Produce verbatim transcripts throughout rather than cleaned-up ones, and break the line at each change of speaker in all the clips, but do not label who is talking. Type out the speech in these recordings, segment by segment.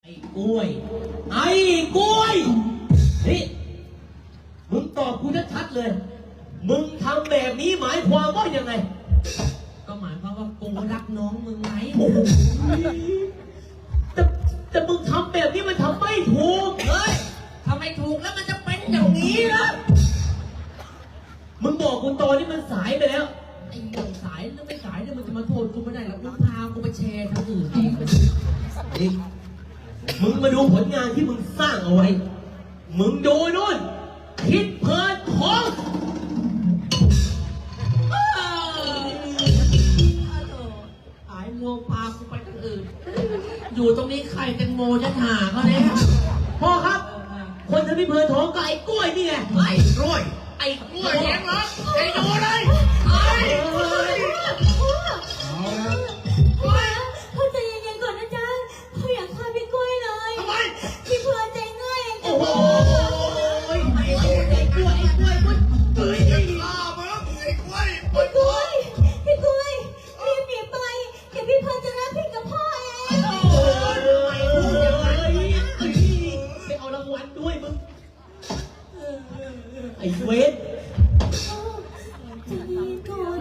ไอ้กล้วยไอ้กล้วยนี่มึงตอบกูชัดๆเลยมึงทำแบบนี้หมายความว่ายังไงก็หมายความว่ากูรักน้องมึงไงแต่แต่มึงทำแบบนี้มันทำไม่ถูกเฮ้ยทำไม่ถูกแล้วมันจะเป็นอย่างนี้เหรอมึงบอกกูตอนนี้มันสายไปแล้วไอ้เรื่องสายแล้วไม่สายเนี่ยมันจะมาโทษกูไม่ได้หรอกมึงพากูไปแชร์ทางอื่นเองนี่มึงมาดูผลงานที่มึงสร้างเอาไว้มึงดูนู่นคิดเพิร์ดของหายโมพากูไปทางอื่นอยู่ตรงนี้ใครแตงโมจะหาเขาเนี่ยพ่อครับคนทำพิเพิร์ดท้องก็ไอ้กล้วยนี่ไงไอ้กล้วยไอ้กล้วยแย่งเหรอไอ้ดูเลยไอ้
พ่อใจเย็นๆก่อนนะจ๊ะพ่ออยากฆ่าพี่กล้วยเลยทำไมพี่เพื่อนใจง่ายเองโอ้โห
ไอ้ไอ้ไอ้กล้วยไอ้กล้วยมันเฮ้ยไอ้ข้ามึงไอ้กล้วย
พี่กล้วยพี่กล้วยรีบหนีไปเดี๋ยวพี่เพื่อนจะรับผิดกับพ่อเอง
โอ้ยไปเอารางวัลด้วยมึงไอ้เวท
ใจเย็นก่อน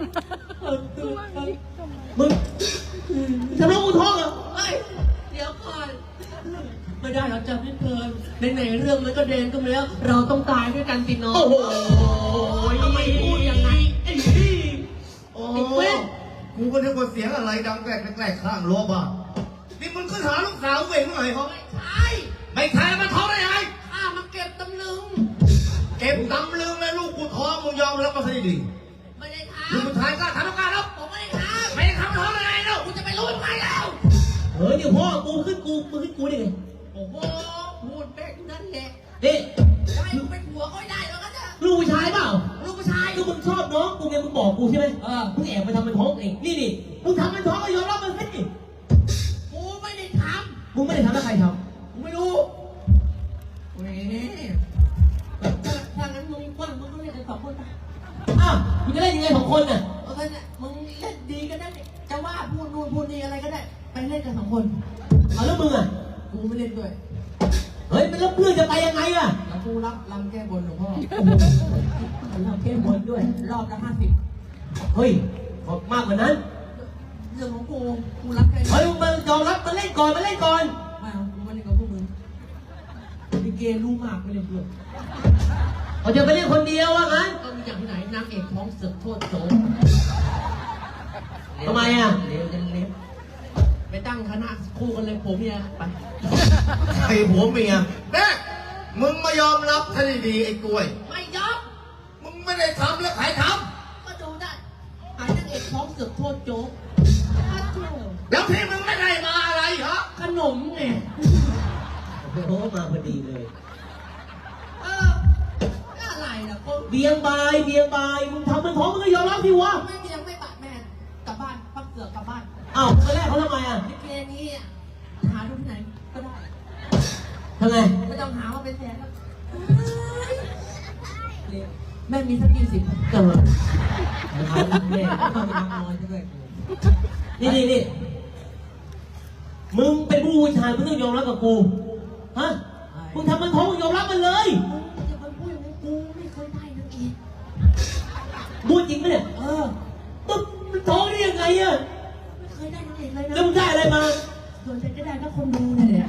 มึงจะร้องกูท้องเหรอเฮ้ยเดี๋ยวก่อนไม่ได้เราจะไม่เพลินในๆเรื่องมันก็เดนก็มาแล้วเราต้องตายด้วยกันสิน้องโอ้โหทำไมพูดอย่างนั้นไอ้พี่โอ้เว้ย
กูก็นึกว่าเสียงอะไรดังแกลกแกลกข้างรั้วบ้านนี่มึงขึ้นหาลูกสาวเวงเมื่อไหร่เขาไม่
ใช่
ไม่ใช่มันท้องได้ไง
ข้ามาเก็บตำลึง
เก็บตำลึงแล้วลูกกูท้องมึงยอมรับมาสิดี
ไม่ได้ทำ
ลูกผู้ชายกล้าทำต้องการแล้ว
ผมไม่ได้ทำ
ไม่ได้ทำท้องได้ไงเนาะ
กูจะไปรู้ทำไมแล้วเฮ้ยเดี๋ยวพ่อกูขึ้นกูมึงขึ้นกูได้ไงโอ้โหพูดแป๊กนั่นแหละนี่จะให้กูเป็นผัวก็ไม่ได้แล้วก็จะลูกผู้ชายเปล่าลูกผู้ชายก็มึงชอบน้องกูไงมึงบอกกูใช่ไหมเออมึงแอบไปทำมันท้องเองนี่นี่มึงทำมันท้องก็ยอมรับมันสิกูไม่ได้ทำมึงไม่ได้ทำแล้วใครทำกูไม่รู้เว้ยถ้างั้นมึงว่างมึงก็เล่นกันสองคนไปอ้าวมึงจะเล่นยังไงสองคนน่ะเออเนี่ยมึงเล่นดีก็ได้จะว่าพูดนู่นพูดนี่อะไรก็ได้ไปเล่นกันสองคนเอาแล้วมึงอ่ะกูไม่เล่นด้วยเฮ้ยมันแล้วเพื่อนจะไปยังไงอ่ะแล้วกูรับรำแก้บนหลวงพ่อรำแก้บนด้วยรอบละห้าสิบเฮ้ยมากกว่านั้นเรื่องของกูกูรับแค่เฮ้ยมึงมายอมรับมาเล่นก่อนมาเล่นก่อนไม่เอากูมาเล่นกับพวกมึงดิเกรู้มากไม่เล่นเพื่อนเขาจะไปเล่นคนเดียวว่างั้นก็มีอย่างที่ไหนนางเอกท้องเสือกโทษโจทำไมอ่ะเลี้ยวเลี้ยวไปตั้งคณะคู่กันเลยผมเนี่ยไป
ไอ้ผัวเมียแม่มึงมายอมรับท่านดีไอ้กล้วย
ไม่ยอม
มึงไม่ได้ทำแล้วใครท
ำก็ดูได้หายนางเอกท้องเสือกโทษโจ
แล้วที่มึงไม่ได้มาอะไรเหรอ
ขนมไงโอ้มาพอดีเลยเอออะไรล่ะก็เบียงบายเบียงบายมึงทำมันท้องมึงก็ยอมรับสิวะไม่เบียงไม่บาดแม่กลับบ้านพักเสือกกลับบ้านอ้าวตอนแรกเขาทำไมอ่ะลิเกนี้หาดูที่ไหนก็ได้ทำไงไม่ต้องหาว่าเป็นแฟนแล้วแม่มีสักกี่สิบเกิดหาแม่ก็ต้องนอนด้วยนี่นี่นี่มึงเป็นผู้ชายมึงต้องยอมรับกับกูฮะมึงทำมันท้องมึงยอมรับมันเลยมึงจะไปพูดอย่างนี้กูไม่เคยได้นักเอกพูดจริงไหมเนี่ยเออมึงมันท้องได้ยังไงอะไม่เคยได้นักเอกเลยนะแล้วมึงได้อะไรมาโดนใจก็ได้ก็คนดูนี่แหละ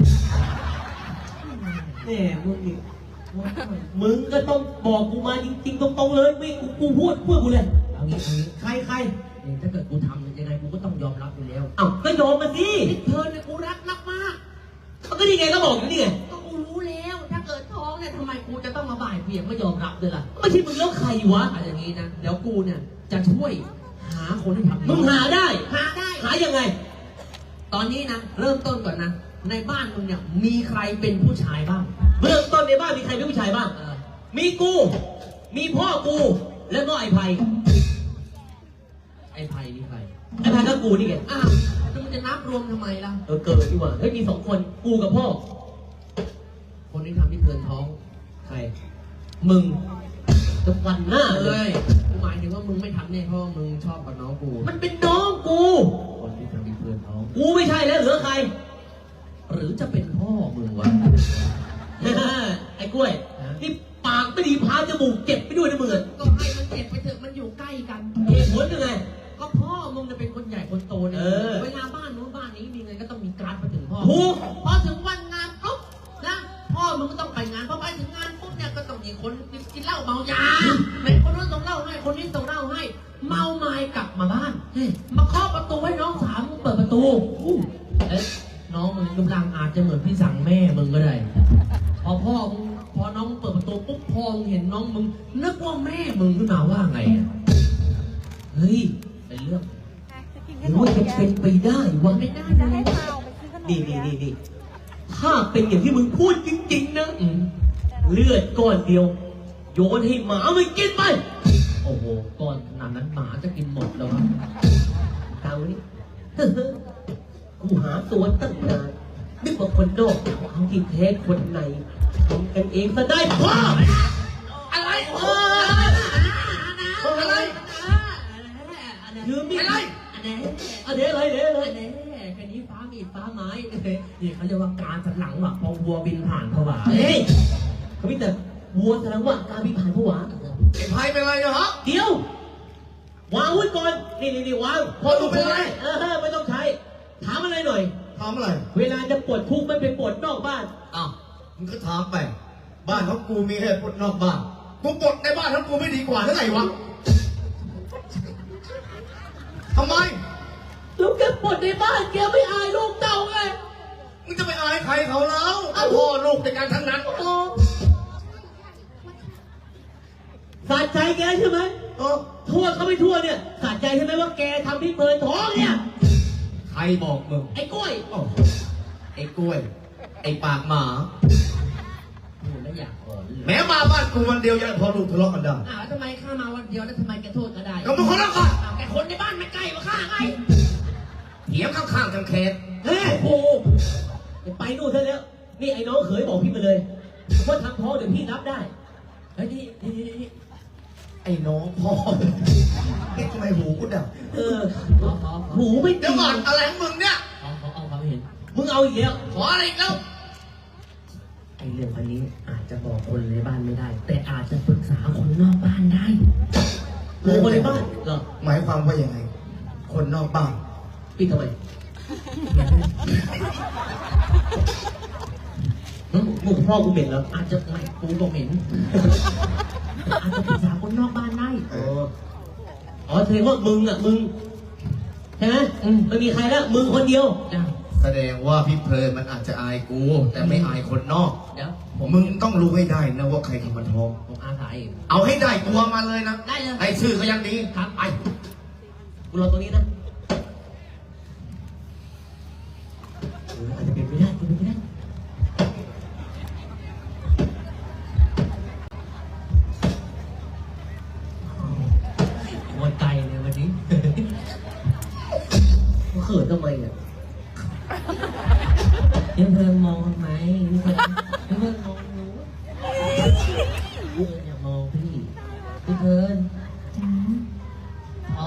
เนี่ยมึงนี่มึงก็ต้องบอกกูมาจริงๆตรงๆเลยไม่กูกูพูดพูดกูเลยเอางี้เอางี้ใครใครเนี่ยถ้าเกิดกูทำยังไงกูก็ต้องยอมรับอยู่แล้วอ้าวก็ยอมมาสิเธอเนี่ยกูรักรักมากเขาก็นี่ไงก็บอกอยู่นี่ไงก็กูรู้แล้วถ้าเกิดท้องเนี่ยทำไมกูจะต้องมาบ่ายเบี่ยงไม่ยอมรับด้วยล่ะไม่ใช่มึงแล้วใครวะอะไรอย่างงี้นะเดี๋ยวกูเนี่ยจะช่วยหาคนให้ทำมึงหาได้หาได้หายังไงตอนนี้นะเริ่มต้นก่อนนะในบ้านมึงเนี่ยมีใครเป็นผู้ชายบ้างเริ่มต้นในบ้านมีใครเป็นผู้ชายบ้างมีกูมีพ่อกูแล้วก็ไอ้ไผ่ไอ้ไผ่นี่ใครไอ้ไผ่ก็กูนี่ไงอ้าวแล้วมันจะนับรวมทำไมล่ะเออเกิดดีกว่าเฮ้ยมีสองคนกูกับพ่อคนที่ทำที่เพลินท้องใครมึงจะวันหน้าเลยกูหมายถึงว่ามึงไม่ทำเนี่ยเพราะมึงชอบกับน้องกูมันเป็นน้องกูคนที่ทำที่เพลินท้องกูไม่ใช่แล้วเหลือใครหรือจะเป็นพ่อมึงวะ ไอ้กล้วยนี่ปากไม่ดีพาจมูกเจ็บไปด้วยนะมึงอะ
ก็ให้มันเจ็บไปเถอะมันอยู่ใกล้กัน
เหตุผลยังไง
ก็พ่อมึงจะเป็นคนใหญ่คนโตเนี่ย
เออ
เวลาบ้านนู้นบ้านนี้มีเงินก็ต้องมีการ์ดไปถึงพ่อ
ถูก
พอถึงวันงานปุ๊บนะพ่อมึงก็ต้องไปงานพอไปถึงงานปุ๊บเนี่ยก็ต้องมีคนกินเหล้าเมายาไหนคนนู้นส่งเหล้าให้คนนี้ส่งเหล้าให้เมาไม้กลับมาบ้านมาเคาะประตูให้น้องสาวมึงเปิดประตูเอ๊ะน้องมึงรูปร่างอาจจะเหมือนพี่สั่งแม่มึงก็ได้พอพ่อมึงพอน้องเปิดประตูปุ๊บพ่อมึงเห็นน้องมึงนึกว่าแม่มึงขึ้นมาว่าไงอะเฮ้ยเป็นเรื่อง
หรือว่าจะเป็นไปได้วะ
ไม่ได้
จะ
นะ
ให้พาออกไปซื้อขนม
นี่นี่นี่นี่ถ้าเป็นอย่างที่มึงพูดจริงๆนะ
อืม
เลือดก้อนเดียว โยนให้หมามันกินไป
โอ้โหก้อนขนาดนั้นหมาจะกินหมดแล้ววะ
ตามนี้ กูหาตัวตั้งนานนึกว่าคนนอกเอาที่แท้คนในทำกันเองซะได้พ่อ
อะไร
เอออะไรยืมมีด
อะไร
อันนี้อันนี้อะไรเนี่ยอะไร
แน่แค่นี้ฟ้ามีดฟ้าไม้นี่เขาเรียกว่าการสันหลังว่ะพอวัวบินผ่านผวา
เฮ้ยเขาพิจารวัวแสดงว่าการพิพานผวา
ไอ้ไพ่เป็นไรเนะฮะ
เดี๋ยว วางอาวุ้นก่อน นี่นี่นี่วาง
พอดูเป็นไร
เออไม่ต้องใช้ ถามอะไรหน่อย
ถามอะไร
เวลาจะปวดคุกไม่ไปปวดนอกบ้าน
อ้าวมึงก็ถามไป บ้านของกูมีเหตุปลดนอกบ้าน กูปลดในบ้านของกูไม่ดีกว่าหรือไงวะทำไม
แล้วแกปวดในบ้านแกไม่อายลูกเต่าไง
มึงจะไปอายใครเขาแล้วเอาพ่อลูกในการทั้งนั้น
โอ้สะใจแกใช่ไหม
เออ
ทั่วเขาไม่ทั่วเนี่ยสะใจใช่ไหมว่าแกทำพี่เพิร์นท้องเนี่ย
ใครบอกมึง
ไอ้กล้วย
โอ้ไอ้กล้วย ไอ้ปากหมา
พูดแล้วอยากอ่อนเลย
แม้มาบ้านกูวันเดียวยังพอลูกทะเลาะกันได้
อ้าวทำไมข้ามาวันเดียวแล้วทำไมแกโทษก็ได้
ก็มึงคนละกัน
อ้าวแกคนในบ้านไม่ใกล้มาข้าไง
เถียงข้างๆกันเคส
เฮ้ยโอ้เดี๋ยวไปนู่นเถอะแล้ว นี่ไอ้น้องเขยบอกพี่มาเลยว่าทำท้องเดี๋ยวพี่รับได้
เฮ้ยนี่นี่นี่นี่
ไอ้น้องพ่อเอ๊ะทำไมหูกูดับ
เออ
ขอขอขอ
หูไม่
เดี๋ยวก่อนอะไรของมึงเนี่ย
ขอขอเอาความเห็น
มึงเอาอีกแล้ว
ขออะไรอีกแล้ว
ไอ้เรื่องอันนี้อาจจะบอกคนในบ้านไม่ได้ แต่อาจจะปรึกษาคนนอกบ้านได้
หูคนในบ้านเหรอ
หมายความว่ายังไง คนนอกบ้าน
ปิดทำไมมึงมึงพ่อกูเหม็นแล้ว
อาจจะไม่กูก็เหม็นอาจจะปรึกษาคนนอกบ้านได้
เออ
อ๋อแสดงว่ามึงอ่ะมึงใช่ไหมอืมไม่มีใครแล้วมึงคนเดียว
จ้ะ
แสดงว่าพี่เพลินมันอาจจะอายกู แต่ไม่อายคนนอก
เดี๋ยวผม
มึงต้องรู้ให้ได้นะว่าใครทำมันท้อง
ผมอาสาเอง
เอาให้ได้ตัวมาเลยนะ
ได้เลย
ให้ชื่อก็ยังดี
ครับไป
กูรอตรงนี้นะเอออาจจะเป็นไปได้เป็นไปได้
หมดใจเลยวันนี้
มึงเขินทำไมอ่ะ
พี่เพิ่งมองทำไมพี่เพิ่งพี่เพิ่งมองหนูพี่เพิ่งอย่ามองพี่พี่เพิ่ง
จ้า
ท้อง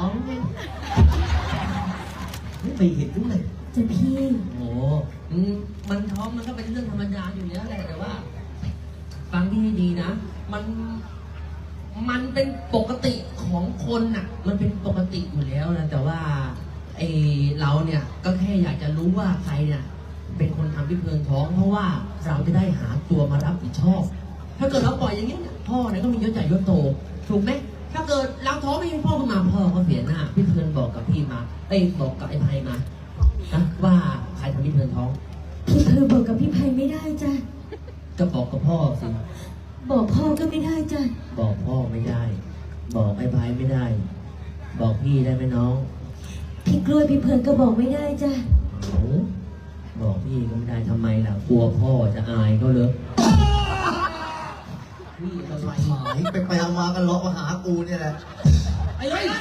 ไม่ไปเห็นด้วย
จะพี่
โอ้อืมมันท้องมันก็เป็นเรื่องธรรมดาอยู่แล้วแหละแต่ว่า ฟังที่ให้ดีนะ มัน มันเป็นปกติของคนน่ะ มันเป็นปกติอยู่แล้วนะ แต่ว่าไอเราเนี่ย ก็แค่อยากจะรู้ว่าใครเนี่ย เป็นคนทำพี่เพลิงท้อง เพราะว่าเราจะได้หาตัวมารับผิดชอบ ถ้าเกิดเราปล่อยอย่างนี้เนี่ยพ่อเนี่ยก็มียศใหญ่ยศโต ถูกไหม ถ้าเกิดเราท้องไม่มีพ่อขึ้นมาพ่อก็เสียหน้า พี่เพลินบอกกับพี่มาเอ้ยบอกกับไอ้ไพมานะว่าใครทำพี่เพลินท้อง
พี่เพอบอกกับพี่ไพไม่ได้จ้ะ
ก็บอกกับพ่อสิ
บอกพ่อก็ไม่ได้จ้ะ
บอกพ่อไม่ได้ บอกไอ้ไพไม่ได้ บอกพี่ได้ไหมน้อง
พี่กล้วยพี่เพลินก็บอกไม่ได้จ้ะ
โอ้บอกพี่ก็ไม่ได้ทำไมล่ะ กลัวพ่อจะอายก็เลยพี่ทำไม
หายไปไปเอามากันเลาะมาหากูเนี่ยแหละ
ไอ้เฮ้ย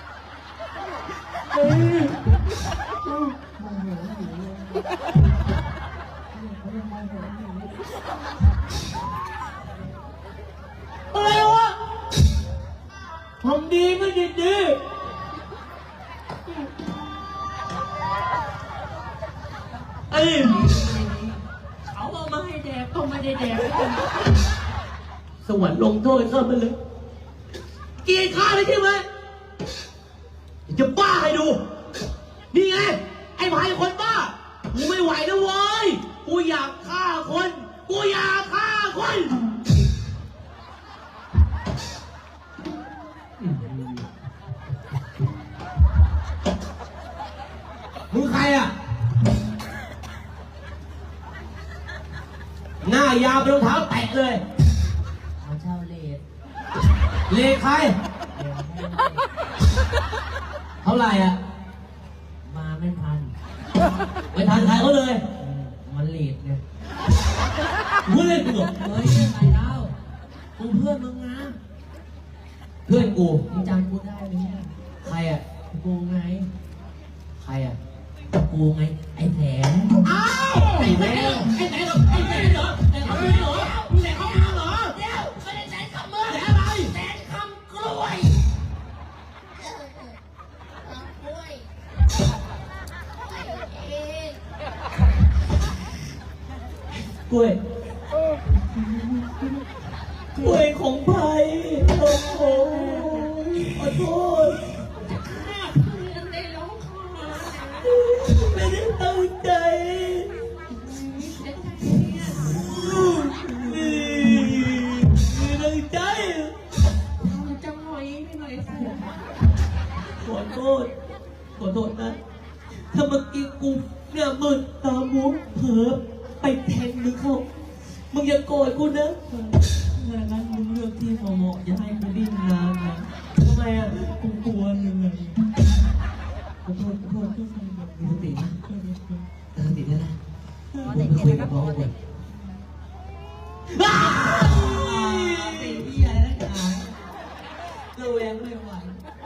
อะไรวะทำดีไม่ดีดีไอ้
เขาบได้แดก
สวรรค์ลงโทษข้ามันเลยเกลียดข้าเลยใช่ไหมจะบ้าให้ดู นี่ไง ไอ้พายคนบ้า กูไม่ไหวแล้วเว้ย กูอยากฆ่าคน กูอยากฆ่าคนมึงใครอ่ะ หน้ายาวเป็นรองเท้าแตะเลย
เขาเช่าเลท
เลขใคร เท่าไหร่อ่ะ
มาไม่ทัน
ไม่ทันใครเขาเลย
มันเลทเนี่ย
มึงเล่นกูเหรอ
เฮ้ยใครเล่ากูเพื่อนมึงนะ
เพื่อนกู
มึงจำกูได้ไหมเนี่ย
ใครอ่ะ
กูไง
ใครอ่ะ
กูไง ไอ้แผน
อ้าวไอ้แม่ไอ้แม่เหรอไอ้แม่เหรอไอ้เขาไม่เหรอมึงแหนเขามาเหรอ
เดี๋ยวไม่ได้แสนคำมือ
แหนอะไร
แสนคำกล้วย
กล้วยเอง
กล้วยกล้วยของไผ่โอ้โหขอโทษ
ได้ร้องคอ
ไม่ได้ตั้งใจไม่ตั้งใจ
จะหน่อยไม่หน่อยสิ
ขอโทษขอโทษนะถ้าเมื่อกี้กูเนี่ยมึนตามัวเผลอไปแทงมึงเขามึงอย่าโกรธกูนะ
ถ้างั้นมึงเลือกที่เหมาะๆอย่าให้กูดิ้นนานนะ
ทำไมอ่ะ
กูกลัวเหนื่อยขอโทษขอโทษขอโทษ
มีสตินะมีสติได้นะผมไปคุยกับน้องก่อนอ้าว
ไอ้เหี้ยนักหนาระแวงไม่ไหว